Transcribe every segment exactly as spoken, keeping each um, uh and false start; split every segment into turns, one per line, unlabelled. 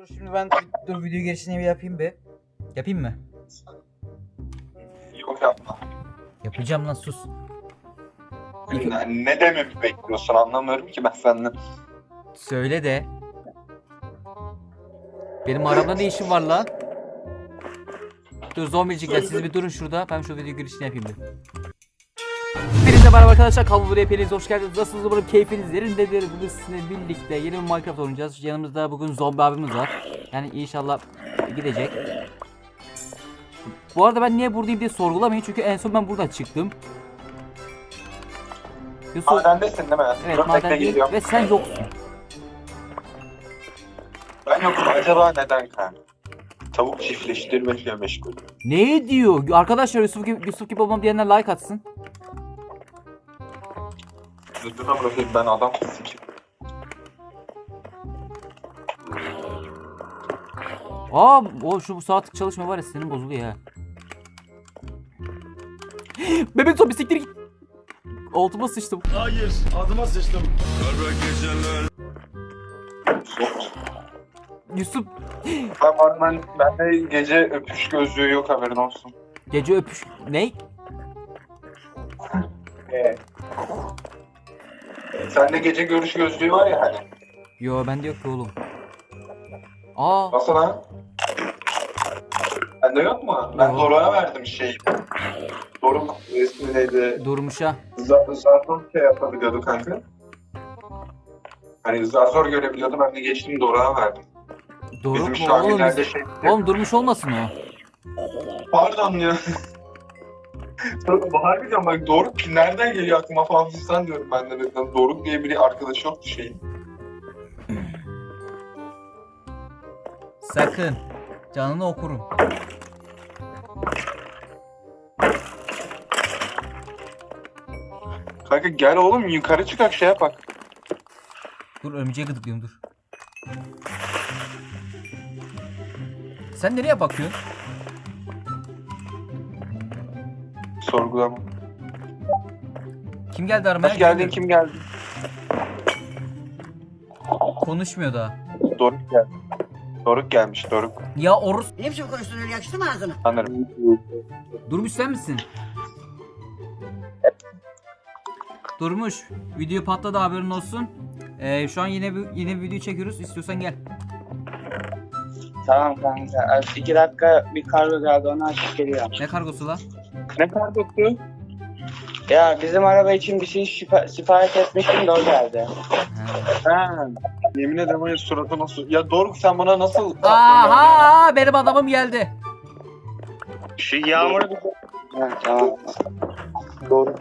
Dur şimdi ben dur video girişini bir yapayım bir. Yapayım mı?
Yok yapma.
Yapacağım lan sus.
Ne, ne dememi bekliyorsun anlamıyorum ki ben senden.
Söyle de. Benim arabada ne işim var lan? Dur zombicikler siz bir durun şurada. Ben şu video girişini yapayım bir. Hepinize merhaba arkadaşlar. Kalbu buraya hepiniz hoş geldiniz. Nasılsınız? Umarım keyfiniz yerindedir. Bugün sizinle birlikte yeni bir Minecraft oynayacağız. Yanımızda bugün zombi abimiz var. Yani inşallah gidecek. Bu arada ben niye buradayım diye sorgulamayın. Çünkü en son ben buradan çıktım. Yusuf,
Madendesin değil mi?
evet
Dur, bekle,
madendeyim
geliyorum.
ve sen yoksun.
Ben yokum. Acaba neden kanka? Tavuk çiftleştirmekle meşgul.
Ne diyor? Arkadaşlar Yusuf gibi, Yusuf gibi olmam diyenler like atsın.
Zıddına bırakayım ben adam sikim.
Aa, o şu bu saatlik çalışma var ya senin bozuluyor ha. Bebek zombi siktir git. Altıma sıçtım.
Hayır, adıma sıçtım.
Yusuf
Ben var ben, bende gece öpüş gözlüğü yok haberin olsun.
gece öpüş ne?
Ee. Sende gece görüş gözlüğü var ya hani.
Yo bende yok ki oğlum. Aa,
Nasıl lan? Bende yok mu? Ben
Yok.
Doruk'a verdim şeyi. Doruk ismi neydi?
durmuş ha.
Zar zar zor şey yapabiliyordu kanka. Hani zar zor görebiliyordu ben de geçtim Doruk'a verdim.
Doruk
Bizim
mu
şu an
oğlum?
ileride
Biz...
şey...
Oğlum durmuş olmasın o.
Pardon ya. Bahar diyorum bak Doruk nereden geliyor aklıma falan fistan diyorum ben de. Birden. Doruk diye biri arkadaşı yoktu şeyin.
Sakın. Canını okurum.
Kanka gel oğlum yukarı çıkak şey yapak.
Dur örümceğe gıdıklıyorum dur. Sen nereye bakıyorsun?
Sorgulama.
Kim geldi aramaya?
Hoş geldin kim geldi?
Konuşmuyor daha.
Doruk geldi. Doruk gelmiş Doruk.
Ya Orus
Ne biçim konuştun öyle yakıştı mı ağzına?
Sanırım.
Durmuş sen misin? Durmuş. Video patladı haberin olsun. Ee, şu an yine bir yine bir video çekiyoruz. İstiyorsan gel.
Tamam kanka. İki dakika bir kargo geldi onu açıp geliyorum.
Ne kargosu lan?
Ne kargosu? Ya bizim araba için bir şey şifa- sipariş etmiştim de o geldi.
Ha.
Ha. Yemin ederim öyle suratı nasıl... Ya Doruk sen bana nasıl...
Aha benim adamım geldi.
Şu yağmuru bir... Ha, tamam.
Doruk.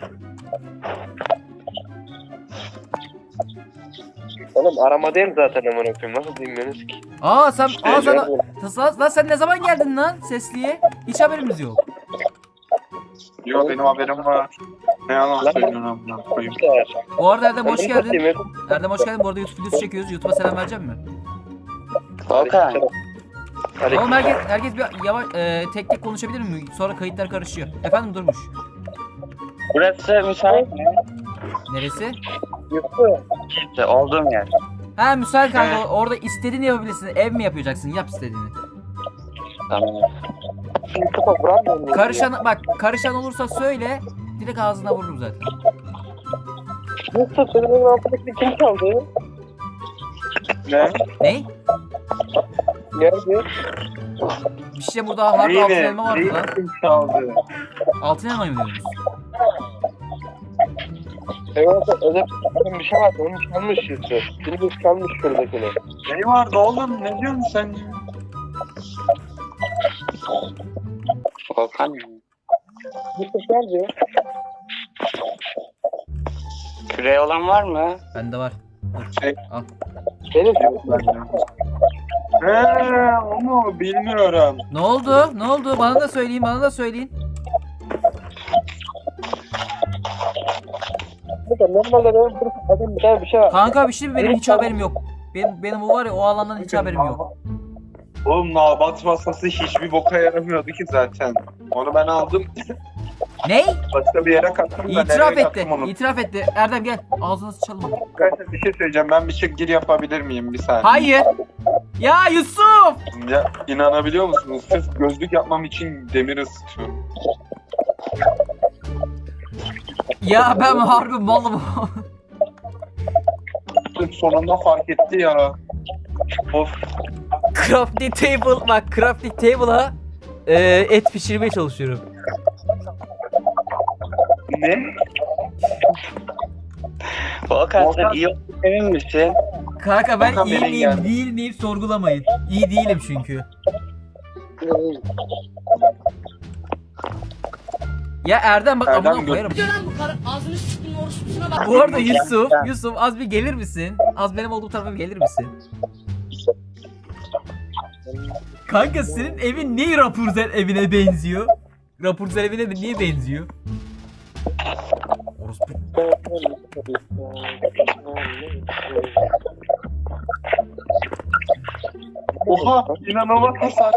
Oğlum aramadayım zaten amına koyayım. Nasıl dinliyorsunuz ki?
Aa sen
İşte
aa sen,
ya.
lan, lan sen ne zaman geldin lan sesliye? Hiç haberimiz yok.
Yok benim haberim var. Ne yalan söylüyorsun amına koyayım.
Bu arada Erdem hoş
Ben
geldin.
kapatayım,
Erdem hoş geldin. Bu arada YouTube videosu çekiyoruz. YouTube'a selam verecek mi?
Volkan.
Hadi.
Oğlum herkes herkes bir yavaş e, tek tek konuşabilir mi? Sonra kayıtlar karışıyor. Efendim Durmuş.
Burası müsait mi?
Neresi?
İşte olduğum yer.
Ha müsait kanka. Orada istediğini yapabilirsin. Ev mi yapacaksın? Yap istediğini.
Tamam.
Şimdi kafa vuramıyor muyum?
Karışan bak karışan olursa söyle. Direkt ağzına vururum zaten.
Yoksa sözümün altındaki kim çaldı?
Ne?
Ne?
Nerede?
Bir şey burada harbi altın elma vardı lan.
Kim çaldı?
Altın elma mı diyorsunuz?
Evet, öyle bir şey vardı. Onu çalmış Yusuf. Birimiz çalmış şuradakini.
Ne vardı oğlum? Ne diyorsun sen ya?
Volkan mı?
Yusuf nerede?
Küreği olan var mı?
Bende var.
Şey,
Benim
Eee onu bilmiyorum.
Ne oldu? Ne oldu? Bana da söyleyin, bana da söyleyin.
Burada normalde benim bir adam bir tane bir şey var.
Kanka bir şey mi? Benim hiç haberim yok. Benim benim o var ya o alandan hiç haberim yok.
Oğlum nabat masası hiçbir boka yaramıyordu ki zaten. Onu ben aldım.
Ne?
Başka bir yere kattım. da
İtiraf
nereye
etti.
kattım onu?
İtiraf etti. Erdem gel. Ağzına sıçalım.
Arkadaşlar bir şey söyleyeceğim. Ben bir şey gir yapabilir miyim bir saniye?
Hayır. Ya Yusuf!
Ya inanabiliyor musunuz? Sırf gözlük yapmam için demir ısıtıyorum.
Ya ben harbi malım.
Sırf sonunda fark etti ya. Of.
Crafting table bak crafting table'a e, et pişirmeye çalışıyorum.
Ne?
Volkan sen
Volkan-
iyi olduğunu emin misin?
Kanka ben
Volkan
iyi
beni
miyim
geldi.
değil miyim sorgulamayın. İyi değilim çünkü. Ya Erdem bak
Erdem
amına
gö-
koyarım.
Diyor lan bu karı ağzını sıktın orospusuna bak.
Bu arada Yusuf, Yusuf az bir gelir misin? Az benim olduğum tarafa bir gelir misin? Kanka senin evin niye Rapunzel evine benziyor? Rapunzel evine de niye benziyor? Orospu.
Oha inanılmaz hasar.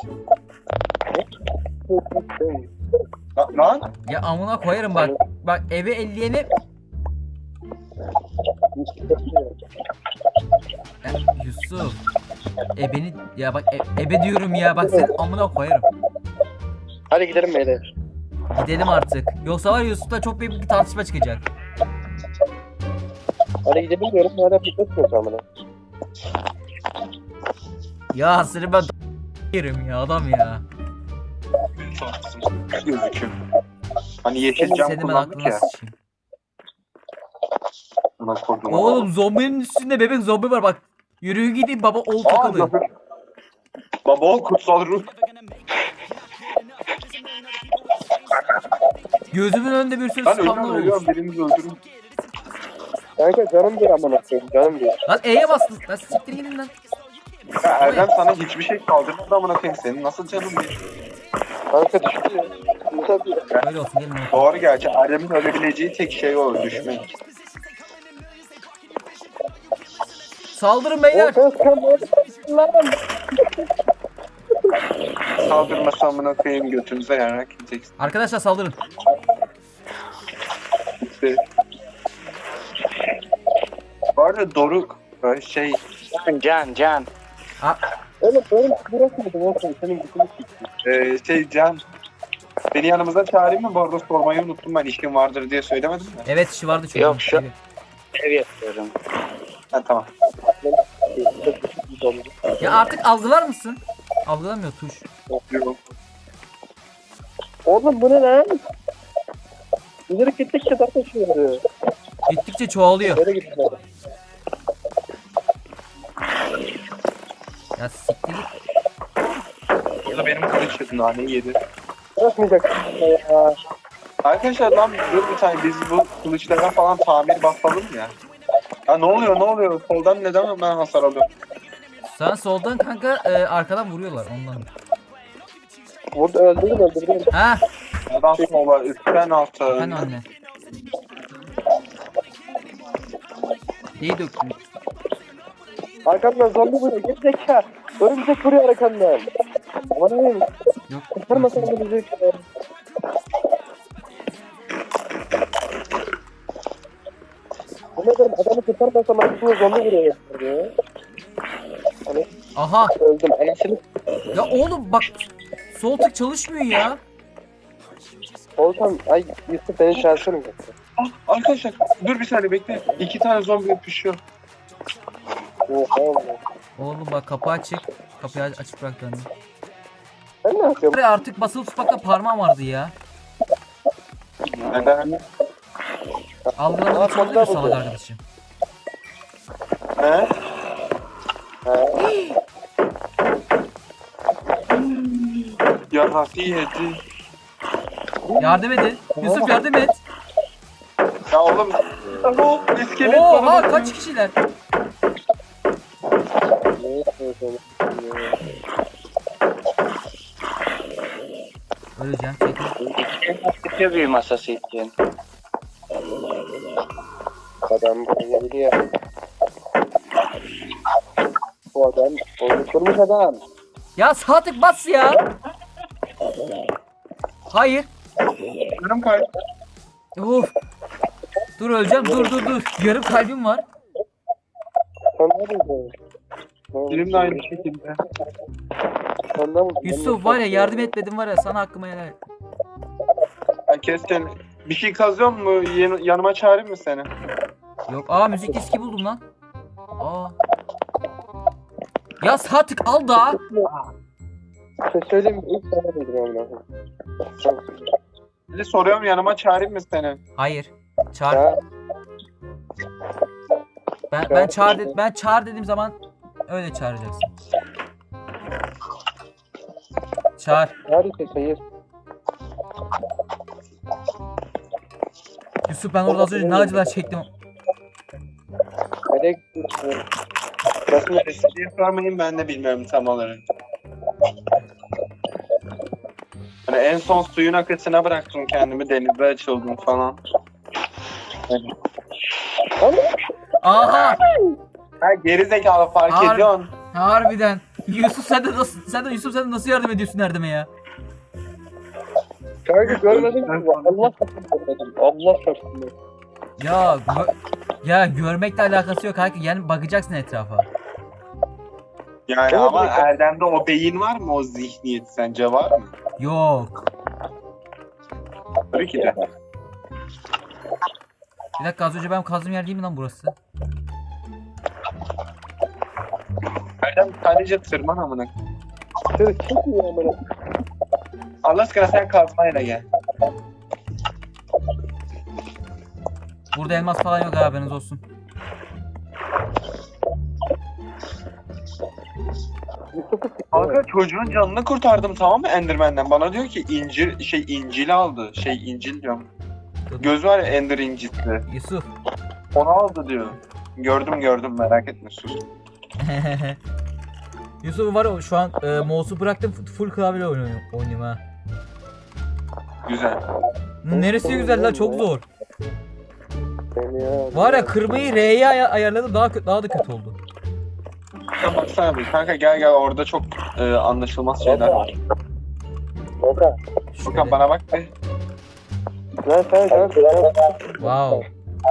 Lan, lan.
Ya amına koyarım bak. Bak eve elleyeni... Ya, Yusuf. Ebeni... Ya bak e- ebe diyorum ya bak senin amına koyarım.
Hadi gidelim beyler.
Gidelim artık. Yoksa var ya Yusuf'la çok büyük bir tartışma çıkacak.
Hadi gidelim diyorum. Hala fitness yok amına.
Ya seni ben yerim ya adam ya.
Gözüküyor. Hani yeşil cam
Seni ben
kullandık
aklına
ya.
sıçayım.
Buna kurdum.
Oğlum zombinin üstünde bebek zombi var bak. Yürüyün gidin baba ol
Aa,
takılın.
zahır. Baba ol kutsal ruh.
Gözümün önünde bir sürü
Ben
spamlar
ölüyorum
olmuş.
ölüyorum birinizi öldürün.
Kanka canım bir amına koyayım. Canım bir.
Lan E'ye bastın. Lan siktir gidin lan.
Ya Erdem sana hiçbir şey kaldırmadı amına koyayım senin nasıl canın bir.
Kanka düştü ya. Tabii.
Öyle olsun gelin. oğlum.
Doğru gerçi Erdem'in ölebileceği tek şey o düşmek.
Saldırın beyler.
Volkan lan.
Kaldırmasa amına koyayım götünüze yarak gideceksin.
Arkadaşlar saldırın.
İşte. Bu arada Doruk böyle şey
Can can can.
Oğlum benim burası mıydı Volkan? Senin gitmiş gitti.
e, şey Can beni yanımıza çağırayım mı? Bu arada sormayı unuttum ben işim vardır diye söylemedim mi?
Evet işi vardı çünkü.
Yok, şu- Ev yapıyorum.
Ha tamam.
Ya artık algılar mısın? Algılamıyor tuş.
Yok.
Oğlum bu ne lan? İleri gittikçe zaten şey oluyor.
Gittikçe çoğalıyor.
Böyle gidiyor.
Ya siktir git.
Ya da benim kılıç naneyi yedi.
Bırakmayacak ya.
Arkadaşlar lan dur bir tane biz bu kılıçlara falan tamir basalım ya. Ya ne oluyor ne oluyor? Soldan neden ben hasar alıyorum?
Sen soldan kanka e, arkadan vuruyorlar ondan.
Burada öldürdüm öldürdüm.
Ha,
Sağdan sola, üstten alta.
ben anne. Neyi döktün?
Arkamdan zombi vuruyor. Git zeka. Örümcek vuruyor arkamdan. Aman neyim?
Yok.
Kurtarmasın onu bizi. Ne dedim adamı kurtarmasam arkamdan zombi vuruyor. Ya. Hani
Aha.
öldüm. Anasını
Ya oğlum bak. Sol tık çalışmıyor ya.
olsam ay Yusuf beni şansırım.
Ah, arkadaşlar dur bir saniye bekle. İki tane zombi öpüşüyor.
Oha oğlum.
Oğlum bak kapı açık. Kapıyı aç- açık bırak döndüm.
Sen ne yapıyorsun?
Buraya artık basılı tutmakta parmağım vardı ya.
Neden?
Algılamak için oldu mu salak arkadaşım?
He? Ya Rafi yedi.
Yardım edin. Yusuf yardım et.
Ya oğlum. Alo iskelet
Oha
bana-
kaç kişiler?
Ne yapıyorsun?
Öleceğim çekil.
Bitiyor büyü masası için.
Adam buraya gidiyor. Bu adam oluşturmuş adam.
Ya sağ tık bas ya. Hayır.
Yarım kay.
Of. Dur öleceğim dur dur dur. Yarım kalbim var.
Sen ne yapıyorsun?
Benim de aynı şekilde.
Ondan,
Yusuf var ya yardım etmedim var ya sana hakkımı helal et.
Ya kesin. Bir şey kazıyor mu? Yan- yanıma çağırayım mı seni?
Yok aa müzik diski buldum lan. Aa. Ya Sadık al da.
şey söyleyeyim mi? İlk sana dedim amına.
Bir de soruyorum yanıma çağırayım mı seni?
Hayır. Çağır.
Ya,
Ben ben çağır dedim. Ben çağır dediğim zaman öyle çağıracaksın. Çağır.
harika sayır.
Yusuf ben orada az önce ne acılar çektim.
Melek.
Nasıl diye sormayın ben de bilmiyorum tam olarak. Hani en son suyun akıtına bıraktım kendimi denize açıldım falan.
Aha!
Ha geri zekalı fark
Har-
ediyorsun.
Harbiden. Yusuf sen de nasıl sen de Yusuf sen de nasıl yardım ediyorsun Erdem'e ya?
Kanka görmedin mi? Allah şartını görmedim. Allah şartını.
Ya gö- ya görmekle alakası yok kanka. Yani bakacaksın etrafa.
Yani
Evet,
ama
evet.
Erdem'de o beyin var mı, o zihniyet sence var mı?
Yok.
Tabii ki de.
Bir dakika az önce ben kazdığım yer değil mi lan burası?
Erdem sadece tırman amına.
Şöyle çıkmıyor amına.
Allah aşkına sen kazmayla gel.
Burada elmas falan yok haberiniz olsun.
Kanka çocuğun canını kurtardım tamam mı Enderman'den? Bana diyor ki incir şey incil aldı. Şey incil diyorum. Göz var ya Ender incisi.
Yusuf.
Onu aldı diyor. Gördüm gördüm merak etme sus.
Yusuf var ya şu an e, mouse'u bıraktım full klavyeyle oynuyorum, oynuyorum ha.
Güzel.
Neresi güzel lan çok zor.
Seni ya.
Var ya kırmayı R'ye ay- ayarladım daha kö- daha da kötü oldu.
Ya baksana bir kanka gel gel orada çok e, anlaşılmaz şeyler var.
Kanka.
Furkan bana bak be.
Lan sen sen sen.
Wow.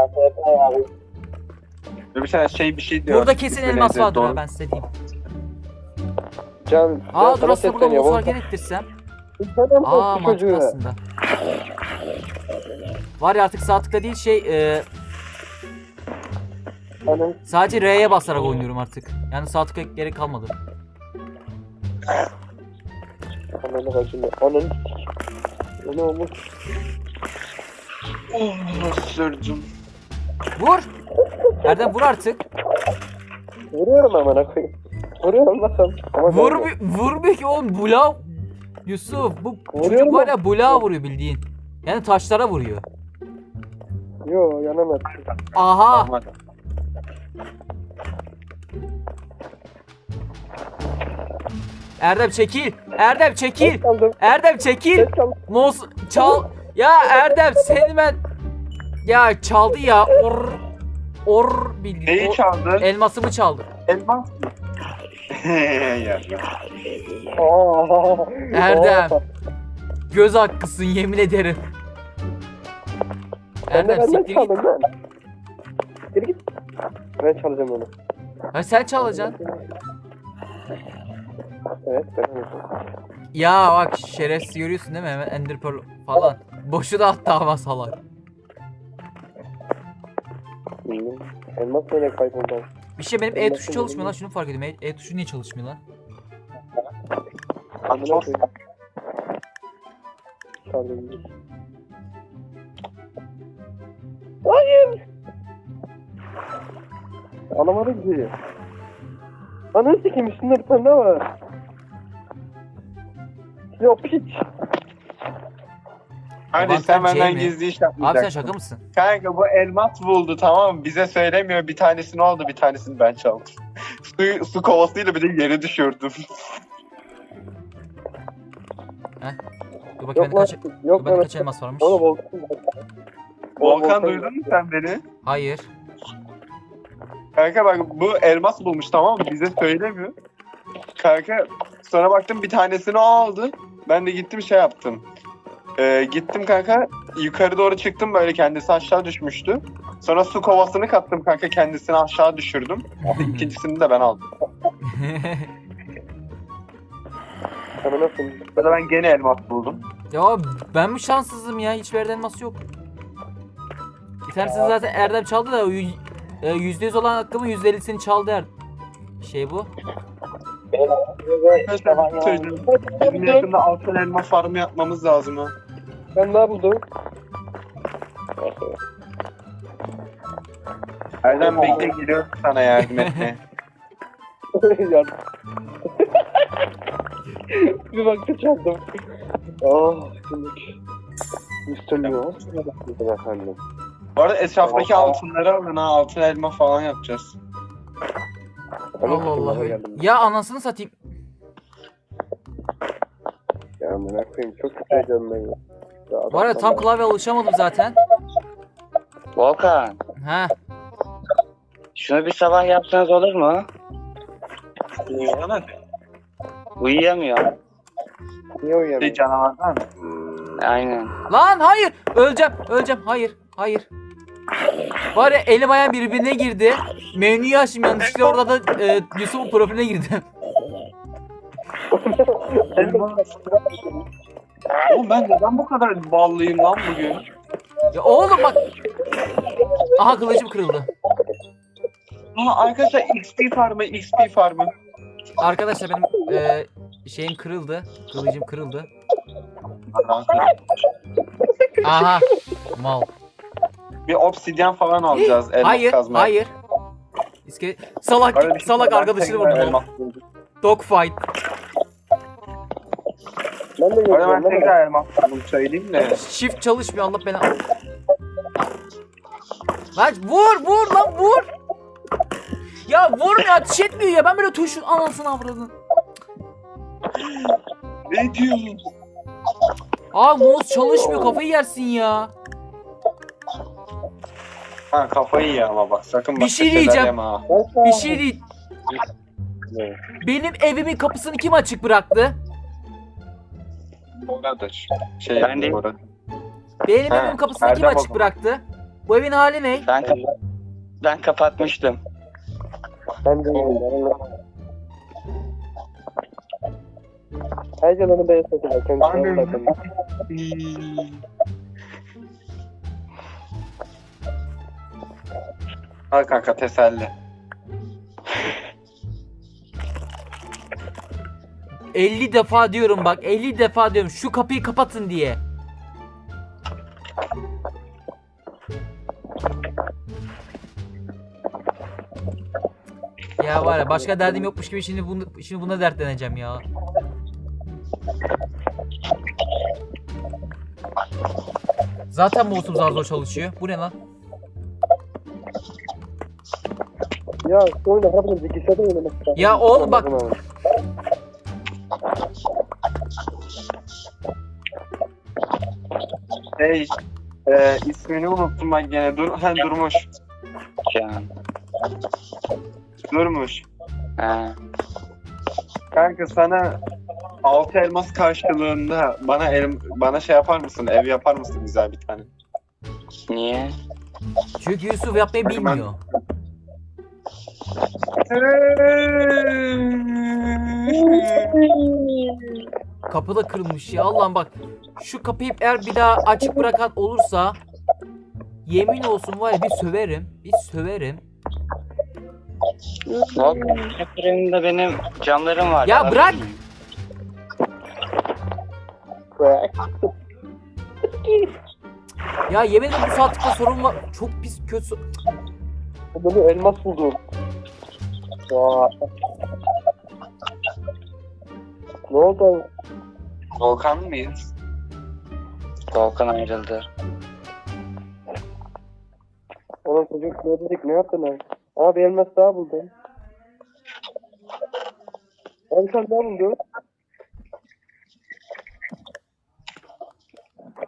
Ve bir tane şey bir şey diyor.
Burada kesin
İsmi
elmas
neydi?
vardır
Doğru.
ha ben size diyeyim.
Can.
Aa dur aslında burada
sesleniyor.
mouse'u hareket ettirsem.
Sen de mi
Aa
korktun
mantıklı
çocuğu?
aslında. Var ya artık sağ tıkla değil şey e,
Anam.
sadece R'ye basarak oynuyorum artık. Yani sağ tıkla gerek kalmadı.
Ananı bacını. Ananı. Ne olmuş?
Oh sürdüm.
Vur! Erdem vur artık.
Vuruyorum amına koyayım. Vuruyorum lan. Ama
Vur
gelme.
bir, vurmuyor ki oğlum bula. Yusuf bu
Vuruyorum
çocuk var
ben.
ya bula vuruyor bildiğin. Yani taşlara vuruyor.
Yo yanamaz.
Aha!
Aman.
Erdem çekil! Erdem çekil!
Ses kaldım.
Erdem çekil!
Ses kaldım.
Mouse çal. Ya Erdem seni ben ya çaldı ya. Or or bildiğin.
Neyi
O-
çaldı?
Elmasımı çaldı.
Elmas mı? ya, ya.
Aa.
Erdem.
Aa.
Göz hakkısın yemin ederim.
Ben de
Erdem
benden
siktir git.
çaldım lan. Geri git. Ben çalacağım onu.
Ha sen çalacaksın.
Evet ben alacağım.
Ya bak şerefsiz görüyorsun değil mi? Hemen Ender Pearl falan. Boşu da attı ama salak.
Bilmiyorum. Elmas neyle kayboldu?
Bir şey benim E tuşu çalışmıyor lan şunu fark ediyorum. E, E tuşu niye çalışmıyor lan?
Amına koyayım. Çaldım. Hayır. Alamadım ki. Ananı sikeyim üstünde bir tane daha var. Yok piç.
Hadi
Avantaj
sen benden
şey mi?
gizli iş
Abi sen
yapmayacaksın.
şaka mısın?
Kanka bu elmas buldu tamam mı? Bize söylemiyor bir tanesini oldu bir tanesini ben çaldım. su, su kovasıyla bir de yere düşürdüm.
Dur bakayım
Yok
bende
lan.
kaç, dur
Yok
bende
lan.
kaç elmas varmış?
Oğlum Volkan.
Volkan duydun mu sen beni?
Hayır.
Kanka bak bu elmas bulmuş tamam mı? Bize söylemiyor. Kanka sonra baktım bir tanesini o aldı. Ben de gittim şey yaptım. Ee, gittim kanka yukarı doğru çıktım böyle kendisi aşağı düşmüştü. Sonra su kovasını kattım kanka kendisini aşağı düşürdüm. İkincisini de ben aldım.
Sana nasıl?
Burada ben gene elmas buldum.
Ya ben mi şanssızım ya? Hiçbir yerden elmas yok. Bir tanesi zaten Erdem çaldı da o yü- e, yüzde yüz olan hakkımın yüzde ellisini çaldı er. Şey bu.
Arkadaşlar bir şey söyleyeceğim. Bizim yakında altın elma farmı yapmamız lazım ha.
Ben ne buldum?
Erdem bekle, geliyorum sana yardım etmeye.
Yardım. Bir baktı çaldım. Oh, şimdi. mister Leo. Efendim.
Bu arada etraftaki altınları alın ha, altın elma falan yapacağız.
Allah Allah. Ya anasını satayım.
Ya amına koyayım, çok kötü heyecanım ben ya. Ya
Bu arada tam klavye alışamadım zaten.
Volkan,
Ha.
şunu bir sabah yapsanız olur mu?
Uyuyana
Uyuyamıyor.
Niye
şey
uyuyamıyorum?
canavardan mı?
Aynen.
Lan hayır. Öleceğim. Öleceğim. Hayır. Hayır. Var ya elim ayağım birbirine girdi. Menüyü açtım yanlışlıkla orada da e, Yusuf'un profiline girdim.
Oğlum ben neden bu kadar ballıyım lan bugün?
Ya oğlum bak. Aha kılıcım kırıldı.
Aa arkadaşlar X P farmı, X P farmı.
Arkadaşlar benim e, şeyim kırıldı. Kılıcım kırıldı. Aha. Mal.
Bir obsidyen falan alacağız, elmas
Hayır.
kazmaya.
Hayır. İskele... Salak
Öyle bir şey
salak
yok.
arkadaşını
Ben
vurdum.
elmas buldum.
Dogfight.
Ben de
Bu arada
görüyorum.
ben tekrar elmas buldum, söyleyeyim de.
Shift çalışmıyor Allah beni. Lan vur vur lan vur. Ya vurmuyor ateş etmiyor ya ben böyle tuşun anasını avradın.
Ne diyorsun?
Aa mouse çalışmıyor kafayı yersin ya.
Ha kafayı ye ama bak, sakın
Bir
bak.
şey diyeceğim. Bir şey değil. Benim evimin kapısını kim açık bıraktı?
Oradır. Şey
Ben değil.
orada.
Benim
Ha,
evimin kapısını kim
Erdem
açık
o
bıraktı? Bu evin hali ne?
Ben kapat ben kapatmıştım.
Ben de görüyorum. Heyecanını beğensin. Kendisine bakın.
Al kanka, teselli.
elli defa diyorum bak elli defa diyorum şu kapıyı kapatın diye. Ya var ya başka derdim yokmuş gibi şimdi bunu şimdi buna dertleneceğim ya. Zaten mouse'um zar zor çalışıyor. Bu ne lan?
Ya sonra harbiden bilgisayarda oynamak lazım.
Ya oğlum bak.
Hey, e, ismini unuttum ben gene. Dur, ha, Durmuş.
Can.
Durmuş.
Ha.
Kanka sana altı elmas karşılığında bana elim, bana şey yapar mısın? Ev yapar mısın güzel bir tane?
Niye?
Çünkü Yusuf yapmayı bilmiyor. Kapı da kırılmış ya Allah'ım bak. Şu kapıyı eğer bir daha açık bırakan olursa yemin olsun var ya bir söverim. Bir söverim.
Volkan, kapılarında benim camlarım var.
Ya
alabilir
bırak!
miyim?
Ya yemin ederim bu saatlikte sorun var. Çok pis kötü. so-
Bunu elmas buldum. Vay. Ne oldu?
Volkan mıyız?
Volkan ayrıldı.
Oğlum çocuk ne dedik, ne yaptın abi? Abi elmas daha buldum. Abi sen daha buldun.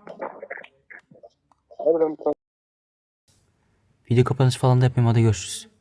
Abi ben
Video kapanışı falan da yapmayayım hadi görüşürüz.